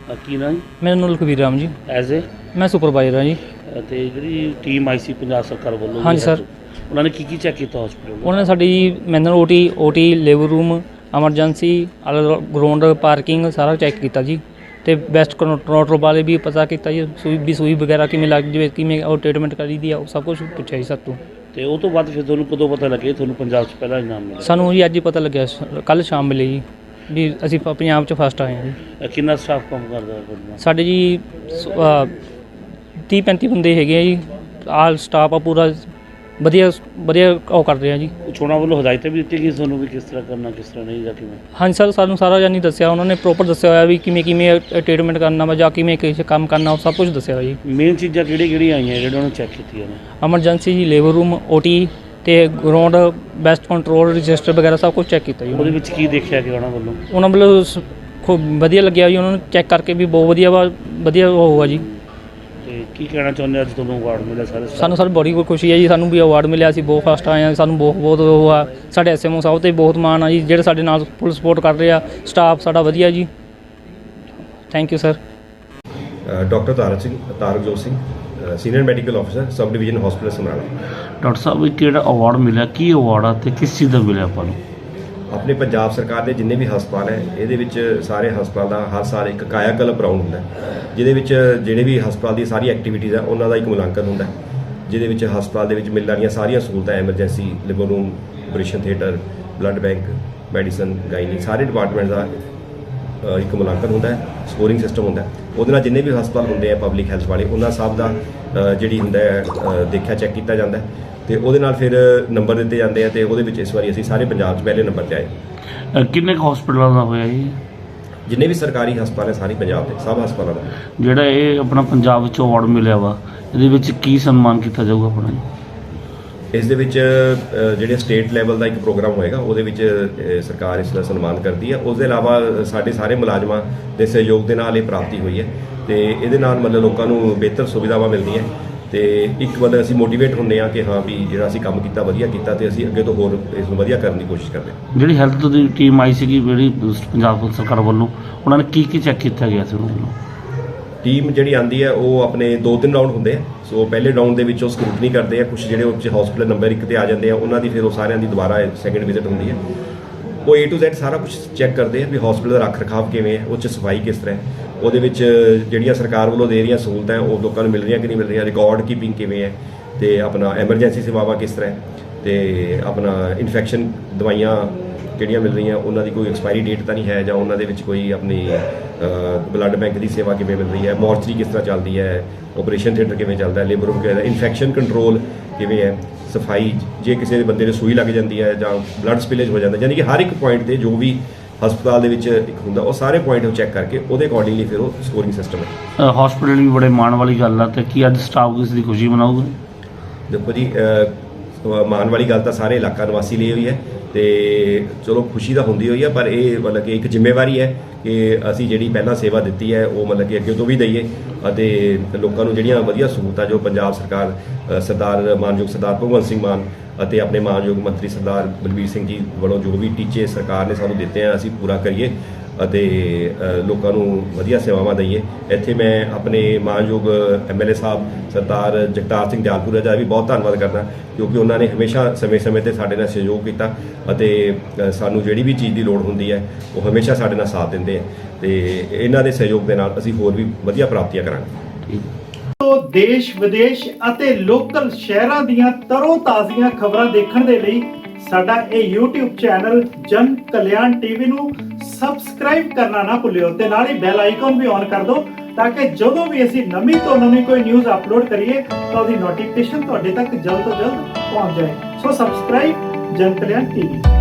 ਕੀ ਨਾਂ ਜੀ? ਮੇਰਾ ਨਾਮ ਲਖਵੀਰ ਰਾਮ ਜੀ। ਐਜ਼ ਏ ਮੈਂ ਸੁਪਰਵਾਈਜ਼ਰ ਹਾਂ ਜੀ। ਅਤੇ ਜਿਹੜੀ ਟੀਮ ਆਈ ਸੀ ਪੰਜਾਬ ਸਰਕਾਰ ਵੱਲੋਂ ਹਾਂਜੀ ਸਰ। ਉਹਨਾਂ ਨੇ ਕੀ ਚੈੱਕ ਕੀਤਾ ਹਸਪੀਟਲ? ਉਹਨਾਂ ਨੇ ਸਾਡੀ manual OT labour room, emergency, ground, parking ਸਾਰਾ ਚੈੱਕ ਕੀਤਾ ਜੀ। ਅਤੇ ਬੈਸਟ ਕੰਟਰੋਲ ਬਾਰੇ ਵੀ ਪਤਾ ਕੀਤਾ ਜੀ। ਸੂਈ ਵਗੈਰਾ ਕਿਵੇਂ ਲੱਗ ਜਾਵੇ, ਕਿਵੇਂ ਉਹ ਟ੍ਰੀਟਮੈਂਟ ਕਰੀ ਦੀ ਆ, ਉਹ ਸਭ ਕੁਛ ਪੁੱਛਿਆ ਜੀ ਸਾਤੋਂ। ਅਤੇ ਉਹ ਤੋਂ ਬਾਅਦ ਫਿਰ ਤੁਹਾਨੂੰ ਕਦੋਂ ਪਤਾ ਲੱਗਿਆ ਤੁਹਾਨੂੰ ਪੰਜਾਬ 'ਚ ਪਹਿਲਾ ਇਨਾਮ ਮਿਲਿਆ? ਸਾਨੂੰ ਜੀ ਅੱਜ ਹੀ ਪਤਾ ਲੱਗਿਆ, ਕੱਲ੍ਹ ਸ਼ਾਮ ਮਿਲੇ ਜੀ ਵੀ ਅਸੀਂ ਪੰਜਾਬ 'ਚ ਫਸਟ ਆਏ ਹਾਂ ਜੀ। ਕਿੰਨਾ ਸਟਾਫ ਕੰਮ ਕਰਦਾ ਤੁਹਾਡੇ? ਸਾਡੇ ਜੀ 30-35 ਬੰਦੇ ਹੈਗੇ ਆ ਜੀ। ਆਲ ਸਟਾਫ ਆ ਪੂਰਾ ਵਧੀਆ ਉਹ ਕਰ ਰਿਹਾ ਜੀ। ਚੋਣਾਂ ਵੱਲੋਂ ਹਦਾਇਤਾਂ ਵੀ ਦਿੱਤੀ ਗਈ ਤੁਹਾਨੂੰ ਵੀ ਕਿਸ ਤਰ੍ਹਾਂ ਕਰਨਾ, ਕਿਸ ਤਰ੍ਹਾਂ ਨਹੀਂ, ਜਾਂ ਕਿਵੇਂ? ਹਾਂਜੀ ਸਰ, ਸਾਨੂੰ ਸਾਰਾ ਜਾਨੀ ਦੱਸਿਆ ਉਹਨਾਂ ਨੇ, ਪ੍ਰੋਪਰ ਦੱਸਿਆ ਹੋਇਆ ਵੀ ਕਿਵੇਂ ਟ੍ਰੀਟਮੈਂਟ ਕਰਨਾ ਵਾ ਜਾਂ ਕਿਵੇਂ ਕਿਸੇ ਕੰਮ ਕਰਨਾ, ਉਹ ਸਭ ਕੁਝ ਦੱਸਿਆ ਹੋਇਆ ਜੀ। ਮੇਨ ਚੀਜ਼ਾਂ ਕਿਹੜੀਆਂ ਆਈਆਂ ਜਿਹੜੀਆਂ ਉਹਨੂੰ ਚੈੱਕ ਕੀਤੀਆਂ ਨੇ? ਐਮਰਜੈਂਸੀ ਜੀ, ਲੇਬਰ ਰੂਮ, ਓਟੀ ਅਤੇ ਗਰਾਊਂਡ, ਬੈਸਟ ਕੰਟਰੋਲ, ਰਜਿਸਟਰ ਵਗੈਰਾ ਸਭ ਕੁਝ ਚੈੱਕ ਕੀਤਾ ਜੀ। ਉਹਦੇ ਵਿੱਚ ਕੀ ਦੇਖਿਆ ਕਿ ਉਹਨਾਂ ਵੱਲੋਂ ਖੂਬ ਵਧੀਆ ਲੱਗਿਆ ਜੀ। ਉਹਨਾਂ ਨੂੰ ਚੈੱਕ ਕਰਕੇ ਵੀ ਬਹੁਤ ਵਧੀਆ ਉਹ ਹੋਊਗਾ ਜੀ। ਅਤੇ ਕੀ ਕਹਿਣਾ ਚਾਹੁੰਦੇ ਅੱਜ ਤੁਹਾਨੂੰ ਅਵਾਰਡ ਮਿਲਿਆ? ਸਾਨੂੰ ਸਰ ਬੜੀ ਖੁਸ਼ੀ ਹੈ ਜੀ, ਸਾਨੂੰ ਵੀ ਅਵਾਰਡ ਮਿਲਿਆ। ਅਸੀਂ ਬਹੁਤ ਫਸਟ ਆਏ ਹਾਂ, ਸਾਨੂੰ ਬਹੁਤ ਉਹ ਆ। ਸਾਡੇ ਐਸਐਮਓ ਸਾਹਿਬ 'ਤੇ ਬਹੁਤ ਮਾਣ ਆ ਜੀ, ਜਿਹੜੇ ਸਾਡੇ ਨਾਲ ਫੁੱਲ ਸਪੋਰਟ ਕਰ ਰਹੇ ਆ। ਸਟਾਫ ਸਾਡਾ ਵਧੀਆ ਜੀ। Thank you sir. Doctor Tarakjot Singh, senior medical officer, sub division hospital Samrala. Doctor ਸਾਹਿਬ, ਇਹ ਕਿਹੜਾ ਅਵਾਰਡ ਮਿਲਿਆ, ਕੀ ਅਵਾਰਡ ਆ ਅਤੇ ਕਿਸ ਚੀਜ਼ ਦਾ ਮਿਲਿਆ ਆਪਾਂ ਨੂੰ? ਆਪਣੇ ਪੰਜਾਬ ਸਰਕਾਰ ਦੇ ਜਿੰਨੇ ਵੀ ਹਸਪਤਾਲ ਹੈ, ਇਹਦੇ ਵਿੱਚ ਸਾਰੇ ਹਸਪਤਾਲ ਦਾ ਹਰ ਸਾਲ ਇੱਕ ਕਾਇਆ ਕਲਪ ਰਾਊਂਡ ਹੁੰਦਾ, ਜਿਹਦੇ ਵਿੱਚ ਜਿਹੜੇ ਵੀ ਹਸਪਤਾਲ ਦੀ ਸਾਰੀ ਐਕਟੀਵਿਟੀਜ਼ ਹੈ ਉਹਨਾਂ ਦਾ ਇੱਕ ਮੁਲਾਂਕਣ ਹੁੰਦਾ, ਜਿਹਦੇ ਵਿੱਚ ਹਸਪਤਾਲ ਦੇ ਵਿੱਚ ਮਿਲਣ ਵਾਲੀਆਂ ਸਾਰੀਆਂ ਸਹੂਲਤਾਂ, ਐਮਰਜੈਂਸੀ, ਲਿਵਰ room, operation theatre, blood bank, medicine, gynae, ਸਾਰੇ ਡਿਪਾਰਟਮੈਂਟ ਦਾ ਇੱਕ ਮੁਲਾਂਕਣ ਹੁੰਦਾ ਹੈ, ਸਕੋਰਿੰਗ ਸਿਸਟਮ ਹੁੰਦਾ। ਉਹਦੇ ਨਾਲ ਜਿੰਨੇ ਵੀ ਹਸਪਤਾਲ ਹੁੰਦੇ ਆ ਪਬਲਿਕ ਹੈਲਥ ਵਾਲੇ, ਉਹਨਾਂ ਸਭ ਦਾ ਜਿਹੜੀ ਹੁੰਦਾ ਦੇਖਿਆ ਚੈੱਕ ਕੀਤਾ ਜਾਂਦਾ ਅਤੇ ਉਹਦੇ ਨਾਲ ਫਿਰ ਨੰਬਰ ਦਿੱਤੇ ਜਾਂਦੇ ਆ। ਅਤੇ ਉਹਦੇ ਵਿੱਚ ਇਸ ਵਾਰੀ ਅਸੀਂ ਸਾਰੇ ਪੰਜਾਬ 'ਚ ਪਹਿਲੇ ਨੰਬਰ 'ਤੇ ਆਏ। ਕਿੰਨੇ ਕੁ ਹਸਪੀਟਲਾਂ ਦਾ ਹੋਇਆ ਜੀ? ਜਿੰਨੇ ਵੀ ਸਰਕਾਰੀ ਹਸਪਤਾਲ ਹੈ ਸਾਰੇ ਪੰਜਾਬ ਦੇ, ਸਭ ਹਸਪਤਾਲਾਂ ਦਾ। ਜਿਹੜਾ ਇਹ ਆਪਣਾ ਪੰਜਾਬ ਵਿੱਚ ਅਵਾਰਡ ਮਿਲਿਆ ਵਾ, ਇਹਦੇ ਵਿੱਚ ਕੀ ਸਨਮਾਨ ਕੀਤਾ ਜਾਊਗਾ ਆਪਣਾ ਜੀ? ਇਸ ਦੇ ਵਿੱਚ ਜਿਹੜੇ ਸਟੇਟ ਲੈਵਲ ਦਾ ਇੱਕ ਪ੍ਰੋਗਰਾਮ ਹੋਏਗਾ, ਉਹਦੇ ਵਿੱਚ ਸਰਕਾਰ ਇਸ ਦਾ ਸਨਮਾਨ ਕਰਦੀ ਹੈ। ਉਸ ਦੇ ਇਲਾਵਾ ਸਾਡੇ ਸਾਰੇ ਮੁਲਾਜ਼ਮਾਂ ਦੇ ਸਹਿਯੋਗ ਦੇ ਨਾਲ ਇਹ ਪ੍ਰਾਪਤੀ ਹੋਈ ਹੈ ਅਤੇ ਇਹਦੇ ਨਾਲ ਮਤਲਬ ਲੋਕਾਂ ਨੂੰ ਬਿਹਤਰ ਸੁਵਿਧਾਵਾਂ ਮਿਲਦੀਆਂ ਅਤੇ ਇੱਕ ਮਤਲਬ ਅਸੀਂ ਮੋਟੀਵੇਟ ਹੁੰਦੇ ਹਾਂ ਕਿ ਹਾਂ ਵੀ ਜਿਹੜਾ ਅਸੀਂ ਕੰਮ ਕੀਤਾ ਵਧੀਆ ਕੀਤਾ ਅਤੇ ਅਸੀਂ ਅੱਗੇ ਤੋਂ ਹੋਰ ਇਸ ਨੂੰ ਵਧੀਆ ਕਰਨ ਦੀ ਕੋਸ਼ਿਸ਼ ਕਰਦੇ ਹਾਂ। ਜਿਹੜੀ ਹੈਲਥ ਦੀ ਟੀਮ ਆਈ ਸੀਗੀ ਜਿਹੜੀ ਪੰਜਾਬ ਸਰਕਾਰ ਵੱਲੋਂ, ਉਹਨਾਂ ਨੇ ਕੀ ਚੈੱਕ ਕੀਤਾ ਗਿਆ ਸੀ ਉਹਨਾਂ ਵੱਲੋਂ? ਟੀਮ ਜਿਹੜੀ ਆਉਂਦੀ ਹੈ ਉਹ ਆਪਣੇ 2-3 ਰਾਊਂਡ ਹੁੰਦੇ ਆ। ਸੋ ਪਹਿਲੇ ਰਾਊਂਡ ਦੇ ਵਿੱਚ ਉਹ ਸਕਰੂਟਨੀ ਕਰਦੇ ਆ, ਕੁਛ ਜਿਹੜੇ ਉੱਚ ਹਸਪੀਟਲ ਨੰਬਰ 1 'ਤੇ ਆ ਜਾਂਦੇ ਆ, ਉਹਨਾਂ ਦੀ ਫਿਰ ਉਹ ਸਾਰਿਆਂ ਦੀ ਦੁਬਾਰਾ ਸੈਕਿੰਡ ਵਿਜ਼ਿਟ ਹੁੰਦੀ ਹੈ। ਉਹ A to Z ਸਾਰਾ ਕੁਝ ਚੈੱਕ ਕਰਦੇ ਆ ਵੀ ਹਸਪੀਟਲ ਦਾ ਰੱਖ ਰਖਾਵ ਕਿਵੇਂ ਹੈ, ਉਹ 'ਚ ਸਫਾਈ ਕਿਸ ਤਰ੍ਹਾਂ ਹੈ, ਉਹਦੇ ਵਿੱਚ ਜਿਹੜੀਆਂ ਸਰਕਾਰ ਵੱਲੋਂ ਦੇ ਰਹੀਆਂ ਸਹੂਲਤਾਂ ਉਹ ਲੋਕਾਂ ਨੂੰ ਮਿਲ ਰਹੀਆਂ ਕਿ ਨਹੀਂ ਮਿਲ ਰਹੀਆਂ, ਰਿਕਾਰਡ ਕੀਪਿੰਗ ਕਿਵੇਂ ਹੈ, ਅਤੇ ਆਪਣਾ ਐਮਰਜੈਂਸੀ ਸੇਵਾਵਾਂ ਕਿਸ ਤਰ੍ਹਾਂ ਹੈ, ਅਤੇ ਆਪਣਾ ਇਨਫੈਕਸ਼ਨ ਦਵਾਈਆਂ ਕਿਹੜੀਆਂ ਮਿਲ ਰਹੀਆਂ, ਉਹਨਾਂ ਦੀ ਕੋਈ ਐਕਸਪਾਇਰੀ ਡੇਟ ਤਾਂ ਨਹੀਂ ਹੈ, ਜਾਂ ਉਹਨਾਂ ਦੇ ਵਿੱਚ ਕੋਈ ਆਪਣੀ ਬਲੱਡ ਬੈਂਕ ਦੀ ਸੇਵਾ ਕਿਵੇਂ ਮਿਲ ਰਹੀ ਹੈ, ਮੋਰਚਰੀ ਕਿਸ ਤਰ੍ਹਾਂ ਚੱਲਦੀ ਹੈ, ਆਪਰੇਸ਼ਨ ਥੀਏਟਰ ਕਿਵੇਂ ਚੱਲਦਾ ਹੈ, ਲੇਬਰ ਰੂਮ ਕਿਵੇਂ ਹੈ, ਇਨਫੈਕਸ਼ਨ ਕੰਟਰੋਲ ਕਿਵੇਂ ਹੈ, ਸਫਾਈ, ਜੇ ਕਿਸੇ ਬੰਦੇ ਨੂੰ ਸੂਈ ਲੱਗ ਜਾਂਦੀ ਹੈ ਜਾਂ ਬਲੱਡ ਸਪਿਲੇਜ ਹੋ ਜਾਂਦਾ, ਯਾਨੀ ਕਿ ਹਰ ਇੱਕ ਪੁਆਇੰਟ 'ਤੇ ਜੋ ਵੀ ਹਸਪਤਾਲ ਦੇ ਵਿੱਚ ਇੱਕ ਹੁੰਦਾ, ਉਹ ਸਾਰੇ ਪੁਆਇੰਟ ਉਹ ਚੈੱਕ ਕਰਕੇ ਉਹਦੇ ਅਕੋਰਡਿੰਗਲੀ ਫਿਰ ਉਹ ਸਕੋਰਿੰਗ ਸਿਸਟਮ ਹੈ। ਹਸਪੀਟਲ ਵੀ ਬੜੇ ਮਾਣ ਵਾਲੀ ਗੱਲ ਆ, ਅਤੇ ਕੀ ਅੱਜ ਸਟਾਫ ਕਿਸ ਦੀ ਖੁਸ਼ੀ ਮਨਾਊਗਾ? ਦੇਖੋ ਜੀ, ਮਾਣ ਵਾਲੀ ਗੱਲ ਤਾਂ ਸਾਰੇ ਇਲਾਕਾ ਨਿਵਾਸੀ ਲਈ ਹੋਈ ਹੈ ਅਤੇ ਚਲੋ ਖੁਸ਼ੀ ਤਾਂ ਹੁੰਦੀ ਹੋਈ ਹੈ, ਪਰ ਇਹ ਮਤਲਬ ਕਿ ਇੱਕ ਜ਼ਿੰਮੇਵਾਰੀ ਹੈ ਕਿ ਅਸੀਂ ਜਿਹੜੀ ਪਹਿਲਾਂ ਸੇਵਾ ਦਿੱਤੀ ਹੈ ਉਹ ਮਤਲਬ ਕਿ ਅੱਗੇ ਤੋਂ ਵੀ ਦਈਏ ਅਤੇ ਲੋਕਾਂ ਨੂੰ ਜਿਹੜੀਆਂ ਵਧੀਆ ਸਹੂਲਤਾਂ ਜੋ ਪੰਜਾਬ ਸਰਕਾਰ ਸਰਦਾਰ ਮਾਨਯੋਗ ਸਰਦਾਰ ਭਗਵੰਤ ਸਿੰਘ ਮਾਨ ਅਤੇ ਆਪਣੇ ਮਾਨਯੋਗ ਮੰਤਰੀ ਸਰਦਾਰ ਬਲਬੀਰ ਸਿੰਘ ਜੀ ਵੱਲੋਂ ਜੋ ਵੀ ਟੀਚੇ ਸਰਕਾਰ ਨੇ ਸਾਨੂੰ ਦਿੱਤੇ ਆ, ਅਸੀਂ ਪੂਰਾ ਕਰੀਏ ਅਤੇ ਲੋਕਾਂ ਨੂੰ ਵਧੀਆ ਸੇਵਾਵਾਂ ਦਈਏ। ਇੱਥੇ ਮੈਂ ਆਪਣੇ ਮਾਨਯੋਗ MLA ਸਾਹਿਬ ਸਰਦਾਰ ਜਗਤਾਰ ਸਿੰਘ ਦਿਆਲਪੁਰਾ ਦਾ ਵੀ ਬਹੁਤ ਧੰਨਵਾਦ ਕਰਦਾ, ਕਿਉਂਕਿ ਉਹਨਾਂ ਨੇ ਹਮੇਸ਼ਾ ਸਮੇਂ-ਸਮੇਂ 'ਤੇ ਸਾਡੇ ਨਾਲ ਸਹਿਯੋਗ ਕੀਤਾ ਅਤੇ ਸਾਨੂੰ ਜਿਹੜੀ ਵੀ ਚੀਜ਼ ਦੀ ਲੋੜ ਹੁੰਦੀ ਹੈ ਉਹ ਹਮੇਸ਼ਾ ਸਾਡੇ ਨਾਲ ਸਾਥ ਦਿੰਦੇ ਆ, ਅਤੇ ਇਹਨਾਂ ਦੇ ਸਹਿਯੋਗ ਦੇ ਨਾਲ ਅਸੀਂ ਹੋਰ ਵੀ ਵਧੀਆ ਪ੍ਰਾਪਤੀਆਂ ਕਰਾਂਗੇ। ਦੇਸ਼ ਵਿਦੇਸ਼ ਅਤੇ ਲੋਕਲ ਸ਼ਹਿਰਾਂ ਦੀਆਂ ਤਰੋ ਤਾਜ਼ੀਆਂ ਖਬਰਾਂ ਦੇਖਣ ਦੇ ਲਈ ਸਾਡਾ ਇਹ YouTube ਚੈਨਲ ਜਨ ਕਲਿਆਣ TV ਨੂੰ ਸਬਸਕ੍ਰਾਈਬ ਕਰਨਾ ਨਾ ਭੁੱਲਿਓ ਤੇ ਨਾਲ ਹੀ ਬੈਲ ਆਈਕਨ ਵੀ ਔਨ ਕਰ ਦਿਓ, ਤਾਂ ਕਿ ਜਦੋਂ ਵੀ ਅਸੀਂ ਨਵੀਂ ਤੋਂ ਨਵੀਂ ਕੋਈ ਨਿਊਜ਼ ਅਪਲੋਡ ਕਰੀਏ ਤਾਂ ਉਹਦੀ ਨੋਟੀਫਿਕੇਸ਼ਨ ਤੁਹਾਡੇ ਤੱਕ ਜਲਦ ਤੋਂ ਜਲਦ ਪਹੁੰਚ ਜਾਏ। ਸੋ ਸਬਸਕ੍ਰਾਈਬ ਜਨ ਕਲਿਆਣ TV।